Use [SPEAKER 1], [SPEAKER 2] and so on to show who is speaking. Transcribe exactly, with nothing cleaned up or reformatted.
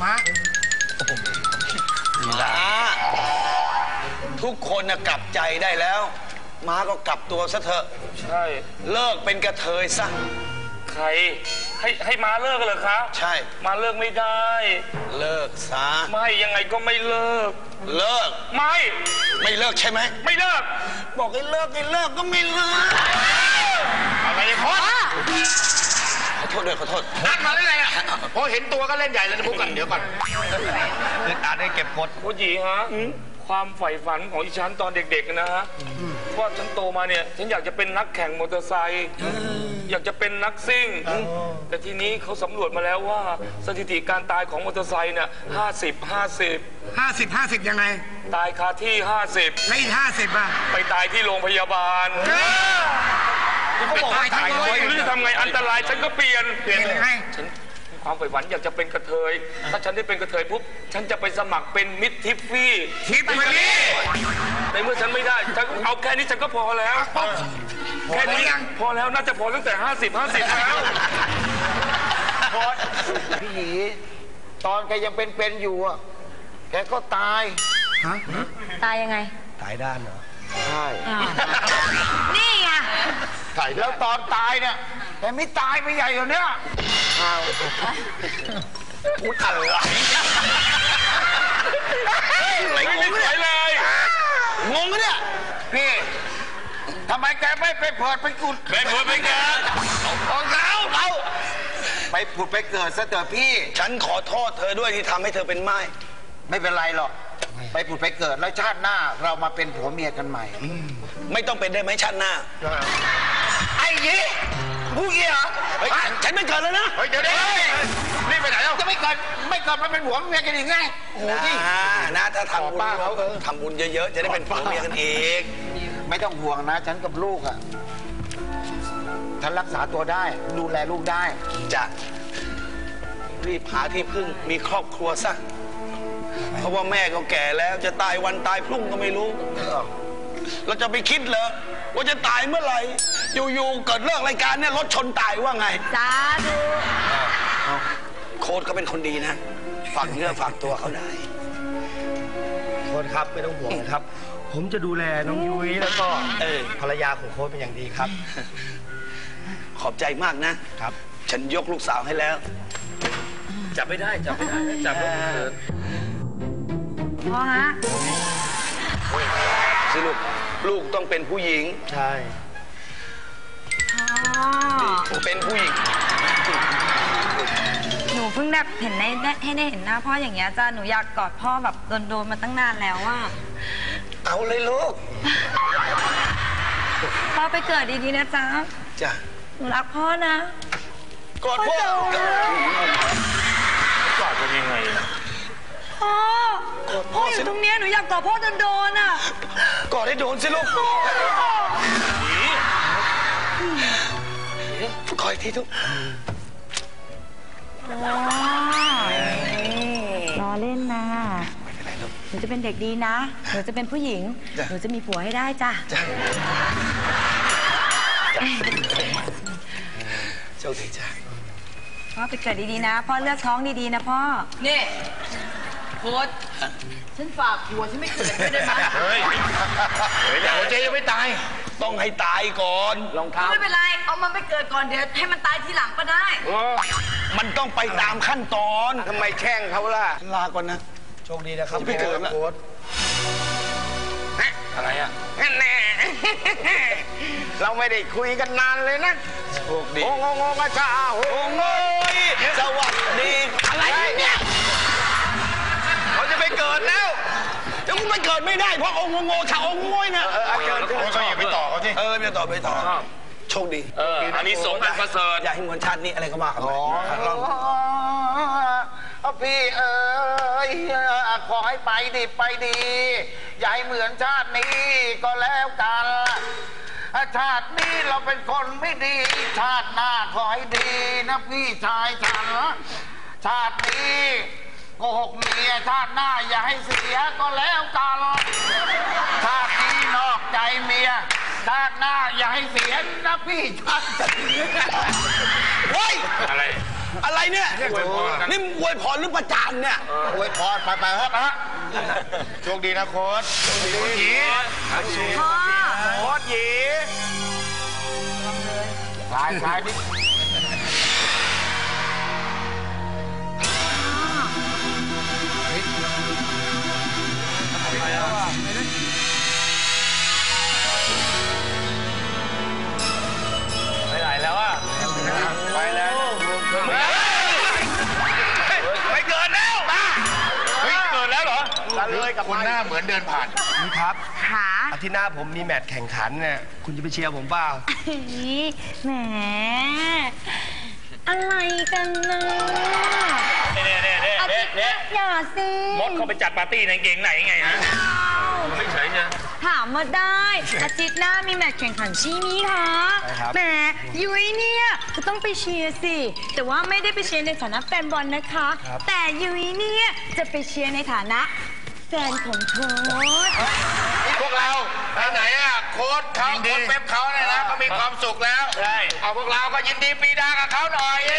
[SPEAKER 1] มา
[SPEAKER 2] ม้าทุกคนกลับใจได้แล้วม้าก็กลับตัวซะเถอะ
[SPEAKER 3] ใช่
[SPEAKER 2] เลิกเป็นกระเทยซะ
[SPEAKER 3] ใครให้ให้ม้าเลิกกันเหรอคะ
[SPEAKER 2] ใช่
[SPEAKER 3] ม้าเลิกไม่ได้
[SPEAKER 2] เลิกซะ
[SPEAKER 3] ไม่ยังไงก็ไม่เลิก
[SPEAKER 2] เลิก
[SPEAKER 3] ไม่
[SPEAKER 2] ไม่เลิกใช่ไหม
[SPEAKER 3] ไม่เลิก
[SPEAKER 2] บอกให้เลิกให้เลิกก็ไม่เลิก
[SPEAKER 3] อะไรพอ
[SPEAKER 2] ขอโทษด้วยขอโทษ
[SPEAKER 1] นัดมาได้ไงอ่ะพอเห็นตัวก็เล่นใหญ่เลยนะพวกกันเดี๋ยวก่อน
[SPEAKER 2] เล่นอาได้เก็บกด
[SPEAKER 3] โอ้ยฮะความใฝ่ฝันของอีฉันตอนเด็กๆนะฮะว่าฉันโตมาเนี่ยฉันอยากจะเป็นนักแข่งมอเตอร์ไซค์อยากจะเป็นนักซิ่งแต่ทีนี้เขาสำรวจมาแล้วว่าสถิติการตายของมอเตอร์ไซค์เนี่ยห้าสิบห้าสิบ
[SPEAKER 1] ห้าสิบห้าสิบยังไง
[SPEAKER 3] ตายคาที่ห้าสิบ
[SPEAKER 1] ไม่ห้าสิบอ่ะ
[SPEAKER 3] ไปตายที่โรงพยาบาลเขาบอกตายไม่รู้จะทำไงอันตรายฉันก็เปลี่ยน
[SPEAKER 1] เปลี่ยนยังไง
[SPEAKER 3] ฉันความใฝ่ฝันอยากจะเป็นกระเทยถ้าฉันได้เป็นกระเทยปุ๊บฉันจะไปสมัครเป็นมิตรทิฟฟี่
[SPEAKER 1] ทิฟฟี่
[SPEAKER 3] ในเมื่อฉันไม่ได้ฉันเอาแค่นี้ฉันก็พอแล้วแค่นี้พอแล้วน่าจะพอตั้งแต่ห้าสิบห้าสิบแล้ว
[SPEAKER 4] พอพี่หยีตอนแกยังเป็นๆอยู่อ่ะแกก็ตาย
[SPEAKER 1] ฮะ
[SPEAKER 5] ตายยังไง
[SPEAKER 2] ตายด้านเหรอ
[SPEAKER 4] ใช่
[SPEAKER 5] นี่ไง
[SPEAKER 4] แล้วตอนตายเนี่ยแต่ไม่ตายไปใหญ่กว่านี้อ้าว
[SPEAKER 2] พูดอะไร
[SPEAKER 3] ไหลงงเลย
[SPEAKER 2] งงเนี่ย
[SPEAKER 4] พี่ทำไมแกไม่ไปเปิดไปกุด
[SPEAKER 3] ไปเปิดไปเกิด
[SPEAKER 4] ของเขาเขาไปผุดไปเกิดซะเถอะพี่
[SPEAKER 2] ฉันขอโทษเธอด้วยที่ทำให้เธอเป็นไม้
[SPEAKER 4] ไม่เป็นไรหรอกไปผุดไปเกิดแล้วชาติหน้าเรามาเป็นผัวเมียกันใหม่
[SPEAKER 2] ไม่ต้องเป็นได้ไหมชาติหน้า
[SPEAKER 4] ไอ้ยี่ผู้เกี่ยว
[SPEAKER 2] ฉันไม่เกิดแล้วนะ
[SPEAKER 4] เฮ้ยเดี๋ยวนี้นี่ไปไหนแล้วจะไม่เกิดไม่เกิดมันเป็นผัวเมียกันยังไง
[SPEAKER 2] โอ้ยนะถ้าทำบุญเขาทำบุญเยอะๆจะได้เป็นผัวเมียกันเอง
[SPEAKER 4] ไม่ต้องห่วงนะฉันกับลูกอ่ะฉันรักษาตัวได้ดูแลลูกได้
[SPEAKER 2] จะรีบหาที่พึ่งมีครอบครัวซะเพราะว่าแม่ก็แก่แล้วจะตายวันตายพรุ่งก็ไม่รู้เราจะไปคิดเหรอว่าจะตายเมื่อไหร่อยู่ๆเกิดเลิกรายการเนี่ยรถชนตายว่าไง
[SPEAKER 5] จ้าดู
[SPEAKER 2] โค้ดเขาเป็นคนดีนะฝากเนื้อฝากตัวเขาได้
[SPEAKER 6] โค้ดครับไม่ต้องห่วงนะครับผมจะดูแลน้องยุ้ยแล้วก็ภรรยาของโค้ดเป็นอย่างดีครับ
[SPEAKER 2] ขอบใจมากนะครับฉันยกลูกสาวให้แล้ว
[SPEAKER 3] จับไม่ได้จับไม่ได้จับลูกเกิด
[SPEAKER 5] พ่อฮะ
[SPEAKER 2] สิลูกลูกต้องเป็นผู้หญิง
[SPEAKER 6] ใช่
[SPEAKER 5] พ่อ
[SPEAKER 2] เป็นผู้หญิง
[SPEAKER 5] หนูเพิ่งได้เห็นได้ให้ได้เห็นหน้าพ่ออย่างเงี้ยจ้าหนูอยากกอดพ่อแบบโดนๆมาตั้งนานแล้วว่า
[SPEAKER 2] เอาเลยลูก
[SPEAKER 5] พ่อไปเกิดดีๆนะจ๊ะ
[SPEAKER 2] จ้ะ
[SPEAKER 5] หนูรักพ่อนะ
[SPEAKER 2] กอดพ่
[SPEAKER 3] อกอดเป็นยังไง
[SPEAKER 5] พ่อพ่ออยู่ตรงนี้หนูอยากกอดพ่อโดนๆอ่ะ
[SPEAKER 2] กอดให้โดนสิลูกกอดอีกทีทุก
[SPEAKER 5] รอเล่นนะหนูจะเป็นเด็กดีนะหนูจะเป็นผู้หญิงหนูจะมีผัวให้ได้จ้ะ
[SPEAKER 2] โชคดีจ้ะ
[SPEAKER 5] พ่อไปเกิดดีๆนะพ่อเลือกท้องดีๆนะพ่อ
[SPEAKER 7] นี่โค้ดฉันฝากผัวฉันไม่เกิดไม่ได้ไหม
[SPEAKER 3] เฮ้ย
[SPEAKER 4] หัวใจยังไม่ตาย
[SPEAKER 2] ต้องให้ตายก่อน
[SPEAKER 7] รองเท้าไม่เป็นไรเอามันไปเกิดก่อนเดี๋ยวให้มันตายทีหลังก็ได้
[SPEAKER 2] มันต้องไปตามขั้นตอน
[SPEAKER 4] ทำไมแช่งเขาล่ะ
[SPEAKER 2] ลาก่อนนะ
[SPEAKER 6] โชคดีนะครับ
[SPEAKER 2] พี่เกิดโค้ด
[SPEAKER 3] อะไรอ่ะ
[SPEAKER 4] แน่เราไม่ได้คุยกันนานเลยนะ
[SPEAKER 2] โชคดี
[SPEAKER 4] โอ้โงโงกระชาโอ้โง
[SPEAKER 2] สวัสดี
[SPEAKER 4] อะไรเนี่ยเขาจะไปเกิดแล้ว
[SPEAKER 2] จะมึงไปเกิดไม่ได้เพราะองงโงชาองงยนะ
[SPEAKER 4] เออเกิด
[SPEAKER 6] ก็อย่าไปต่อเขาสิ
[SPEAKER 2] เออไม่ต่อไปต่อโชคดี
[SPEAKER 3] เอออันนี้สงอันประเสริฐ
[SPEAKER 2] อย่าให้เหมือนชาตินี้อะไรก็มาครับล
[SPEAKER 4] องพี่เอ๋ยขอให้ไปดีไปดีอย่าให้เหมือนชาตินี้ก็แล้วกันชาตินี้เราเป็นคนไม่ดีชาติหน้าขอให้ดีนะพี่ชายฉันชาตินี้โกหกเมียชาติหน้าอย่าให้เสียก็แล้วกันชาตินี้นอกใจเมียชาติหน้าอย่าให้เสียนะพี่ชายฉัน
[SPEAKER 2] เฮ้ย
[SPEAKER 3] อะไร
[SPEAKER 2] อะไรเนี่ย
[SPEAKER 3] อวยพรกัน
[SPEAKER 2] นี่มึงอวยพรหรือประจานเนี่ย
[SPEAKER 4] อวยพรไปไปครับนะโชคดีนะโค้ชโชคดีหยี
[SPEAKER 5] พ่อ
[SPEAKER 4] โค้ชหยีสายสายนี่
[SPEAKER 6] ไปไหนแล้วอ่ะ
[SPEAKER 4] ไปแล้ว
[SPEAKER 3] ไม่เกินแล้วบ้าเฮ้ยเกินแล้วเหรอ
[SPEAKER 4] กันเลยกับคนหน้าเหมือนเดินผ่าน
[SPEAKER 6] นี่ครับ
[SPEAKER 5] ขา
[SPEAKER 6] อาทิตย์หน้าผมมีแมตช์แข่งขันเนี่ยคุณจะไปเชียร์ผมเปล่า
[SPEAKER 5] แหม อะไรกันนะ
[SPEAKER 3] เน่เน่เน่
[SPEAKER 5] อา
[SPEAKER 3] เน่
[SPEAKER 5] ทิตย์ห
[SPEAKER 3] เน่
[SPEAKER 5] น้าอย่าสิ
[SPEAKER 3] มดเขาไปจัดปาร์ตี้ในเกงไหนไงฮะไม่เฉยเนี่ย
[SPEAKER 5] ถามมาได้ อาทิตย์หน้ามีแมตช์แข่งขันใช่ไหมคะ
[SPEAKER 6] ใช่ครับ
[SPEAKER 5] แหมยุ้ยเนี่ยก็ต้องไปเชียร์สิ แต่ว่าไม่ได้ไปเชียร์ในฐานะแฟนบอลนะคะ แต่ยุ้ยเนี่ยจะไปเชียร์ในฐานะแฟนของโค้ช
[SPEAKER 4] พวกเราไปไหนอ่ะโค้ชเขาโค้ชเป๊ปเขาเนี่ยนะเขามีความสุขแล้ว
[SPEAKER 3] ใช่
[SPEAKER 4] เอาพวกเราก็ยินดีปรีดากับเขาหน่อย